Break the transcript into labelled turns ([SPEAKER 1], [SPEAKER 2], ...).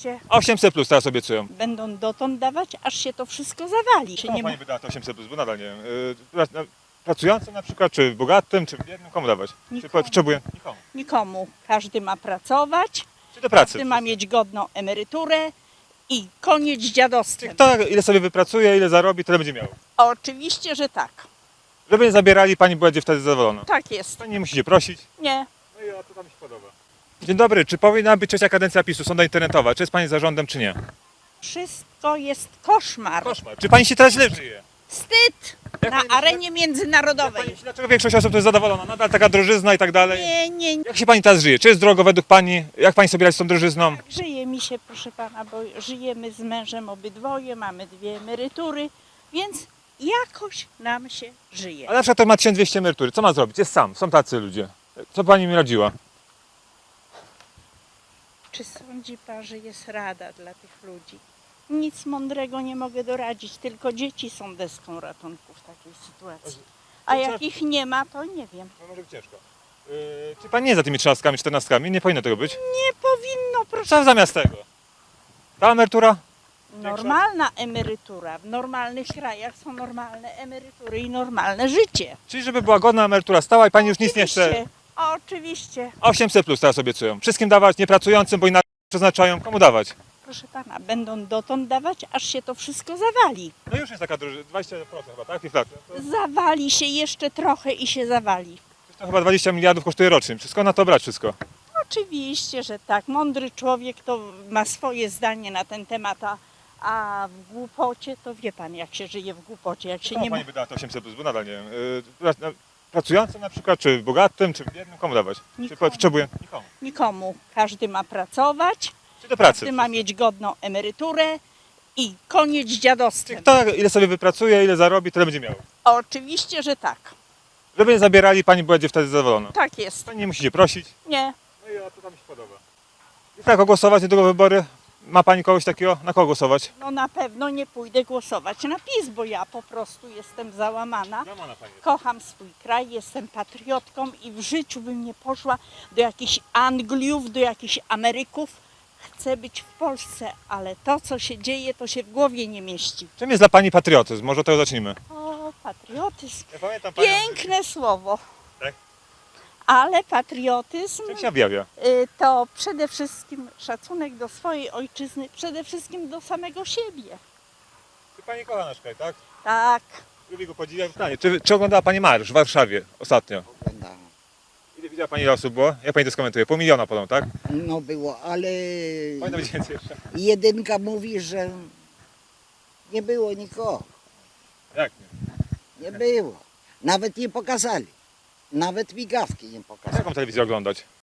[SPEAKER 1] Oczywiście
[SPEAKER 2] 800 plus teraz obiecują.
[SPEAKER 1] będą dotąd dawać, aż się to wszystko zawali. Czy
[SPEAKER 2] Komu
[SPEAKER 1] nie ma...
[SPEAKER 2] pani by dała to 800 plus, bo nadal nie wiem. Pracującym na przykład, czy bogatym, czy biednym, komu dawać? Czy
[SPEAKER 1] Nikomu.
[SPEAKER 2] potrzebuje? Nikomu.
[SPEAKER 1] Nikomu. Każdy ma pracować,
[SPEAKER 2] Czy do pracy?
[SPEAKER 1] każdy ma mieć godną emeryturę i koniec z dziadostwem.
[SPEAKER 2] Kto ile sobie wypracuje, ile zarobi, tyle będzie miał.
[SPEAKER 1] Oczywiście, że tak.
[SPEAKER 2] Żeby nie zabierali, pani będzie wtedy zadowolona.
[SPEAKER 1] Tak jest.
[SPEAKER 2] Pani nie musicie prosić.
[SPEAKER 1] Nie.
[SPEAKER 2] No i to mi się podoba. Dzień dobry, czy powinna być trzecia kadencja PiS-u, sonda internetowa? Czy jest pani zarządem, czy nie?
[SPEAKER 1] Wszystko jest koszmar.
[SPEAKER 2] Koszmar. Czy pani się teraz źle żyje?
[SPEAKER 1] Wstyd
[SPEAKER 2] Jak
[SPEAKER 1] na
[SPEAKER 2] pani-
[SPEAKER 1] arenie
[SPEAKER 2] Jak
[SPEAKER 1] międzynarodowej.
[SPEAKER 2] pani, dlaczego większość osób to jest zadowolona? Nadal taka drożyzna i tak dalej.
[SPEAKER 1] Nie.
[SPEAKER 2] Jak się pani teraz żyje? Czy jest drogo według pani? Jak pani sobie radzi z tą drożyzną?
[SPEAKER 1] Żyje mi się, proszę pana, bo żyjemy z mężem obydwoje, mamy 2 emerytury, więc jakoś nam się żyje.
[SPEAKER 2] Ale na przykład to ma 1200 emerytury. Co ma zrobić? Jest sam. Są tacy ludzie. Co pani mi radziła?
[SPEAKER 1] Czy sądzi pan, że jest rada dla tych ludzi? Nic mądrego nie mogę doradzić, tylko dzieci są deską ratunku w takiej sytuacji. A jak ich nie ma, to nie wiem.
[SPEAKER 2] No może być ciężko. Czy pani nie jest za tymi 13, 14? Nie powinno tego być.
[SPEAKER 1] Nie powinno, proszę.
[SPEAKER 2] Co zamiast tego? Ta emerytura?
[SPEAKER 1] Normalna emerytura. W normalnych krajach są normalne emerytury i normalne życie.
[SPEAKER 2] Czyli żeby była godna emerytura stała i pani już nic nie chce.
[SPEAKER 1] Oczywiście, oczywiście.
[SPEAKER 2] 800 plus teraz obiecują. Wszystkim dawać, niepracującym, bo inaczej przeznaczają. Komu dawać?
[SPEAKER 1] Proszę pana, będą dotąd dawać, aż się to wszystko zawali.
[SPEAKER 2] No już jest taka drożyzna, 20% chyba, tak? Inflacja.
[SPEAKER 1] Zawali się jeszcze trochę i się zawali.
[SPEAKER 2] To chyba 20 miliardów kosztuje rocznie. Wszystko na to brać, wszystko.
[SPEAKER 1] Oczywiście, że tak. Mądry człowiek to ma swoje zdanie na ten temat, a w głupocie to wie pan, jak się żyje w głupocie, jak się
[SPEAKER 2] Komu
[SPEAKER 1] nie ma...
[SPEAKER 2] pani by dała to 800 plus, bo nadal nie wiem. Pracującym na przykład, czy bogatym, czy biednym, komu dawać? Czy
[SPEAKER 1] Nikomu.
[SPEAKER 2] potrzebuje? Nikomu.
[SPEAKER 1] Nikomu. Każdy ma pracować,
[SPEAKER 2] Czy do pracy?
[SPEAKER 1] każdy ma mieć godną emeryturę i koniec z dziadostwem.
[SPEAKER 2] Kto ile sobie wypracuje, ile zarobi, tyle będzie miał.
[SPEAKER 1] Oczywiście, że tak.
[SPEAKER 2] Żeby nie zabierali, pani będzie wtedy zadowolona.
[SPEAKER 1] Tak jest.
[SPEAKER 2] Pani nie musicie prosić.
[SPEAKER 1] Nie.
[SPEAKER 2] No i to mi się podoba. I tak, głosować niedługo wybory. Ma pani kogoś takiego? Na kogo głosować?
[SPEAKER 1] No na pewno nie pójdę głosować na PiS, bo ja po prostu jestem załamana. Kocham swój kraj, jestem patriotką i w życiu bym nie poszła do jakichś Angliów, do jakichś Ameryków. Chcę być w Polsce, ale to, co się dzieje, to się w głowie nie mieści.
[SPEAKER 2] Czym jest dla pani patriotyzm? Może od tego zacznijmy.
[SPEAKER 1] O, patriotyzm.
[SPEAKER 2] Ja pamiętam
[SPEAKER 1] Piękne słowo.
[SPEAKER 2] Tak?
[SPEAKER 1] Ale patriotyzm
[SPEAKER 2] Czym się objawia?
[SPEAKER 1] to przede wszystkim szacunek do swojej ojczyzny, przede wszystkim do samego siebie.
[SPEAKER 2] Czy pani kocha nasz kraj, tak?
[SPEAKER 1] Tak.
[SPEAKER 2] Lubi go podziwiać. Pytanie, czy oglądała pani marsz w Warszawie ostatnio?
[SPEAKER 3] Oglądałem.
[SPEAKER 2] Ile widziała pani ile osób było? Jak pani to skomentuje? 500 000 podobno, tak?
[SPEAKER 3] No było, ale
[SPEAKER 2] Powinno być więcej jeszcze.
[SPEAKER 3] jedynka mówi, że nie było nikogo.
[SPEAKER 2] Jak nie?
[SPEAKER 3] Nie było. Nawet nie pokazali. Nawet migawki nie pokazali.
[SPEAKER 2] Jaką telewizję oglądać?